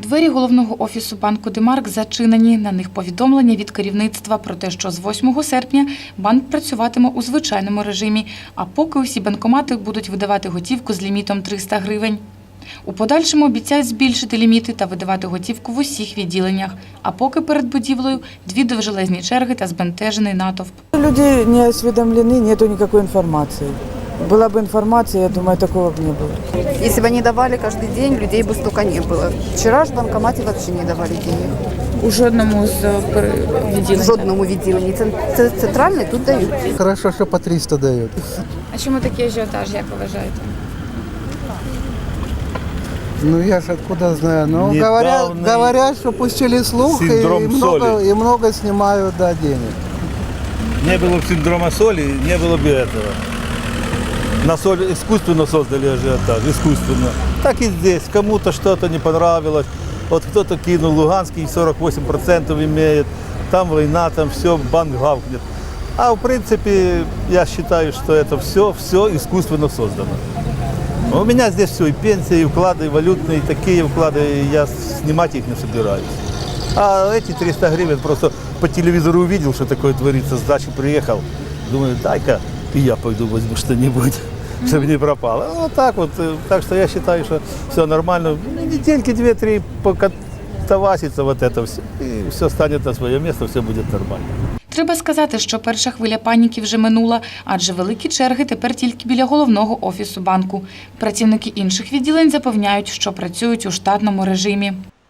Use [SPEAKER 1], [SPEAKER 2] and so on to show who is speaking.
[SPEAKER 1] Двері головного офісу банку «Демарк» зачинені. На них повідомлення від керівництва про те, що з 8 серпня банк працюватиме у звичайному режимі, а поки усі банкомати будуть видавати готівку з лімітом 300 гривень. У подальшому обіцяють збільшити ліміти та видавати готівку в усіх відділеннях. А поки перед будівлею дві довжелезні черги та збентежений натовп.
[SPEAKER 2] Люди не осведомлены, нету никакой информации. Была бы информация, я думаю, такого бы не было.
[SPEAKER 3] Если бы они давали каждый день, людей бы столько не было. Вчера ж в банкомате вообще не давали денег.
[SPEAKER 1] У жодному з відділень?
[SPEAKER 3] В жодному відділенні. Це центральний, тут дають.
[SPEAKER 4] Хорошо, что по 300 дают.
[SPEAKER 1] А чому такий ажіотаж, як ви вважаєте?
[SPEAKER 4] Ну я ж откуда знаю. Ну
[SPEAKER 5] Недавний
[SPEAKER 4] говорят, что пустили слух
[SPEAKER 5] синдром
[SPEAKER 4] и много снимают денег.
[SPEAKER 5] Не было бы синдрома соли, не было бы этого. На соль искусственно создали ажиотаж, искусственно. Так и здесь. Кому-то что-то не понравилось. Вот кто-то кинул, Луганский 48% имеет. Там война, там все, банк гавкнет. А в принципе, я считаю, что это все искусственно создано. У меня здесь все, и пенсии, и вклады, и валютные, и такие вклады, я снимать их не собираюсь. А эти 300 гривен просто по телевизору увидел, что такое творится, с дачи приехал. Думаю, дай-ка и я пойду возьму что-нибудь, чтобы не пропало. Вот так вот. Так что я считаю, что все нормально. Недельки 2-3 покатавасится вот это все, и все станет на свое место, все будет нормально.
[SPEAKER 1] Треба сказати, що перша хвиля паніки вже минула, адже великі черги тепер тільки біля головного офісу банку. Працівники інших відділень запевняють, що працюють у штатному режимі.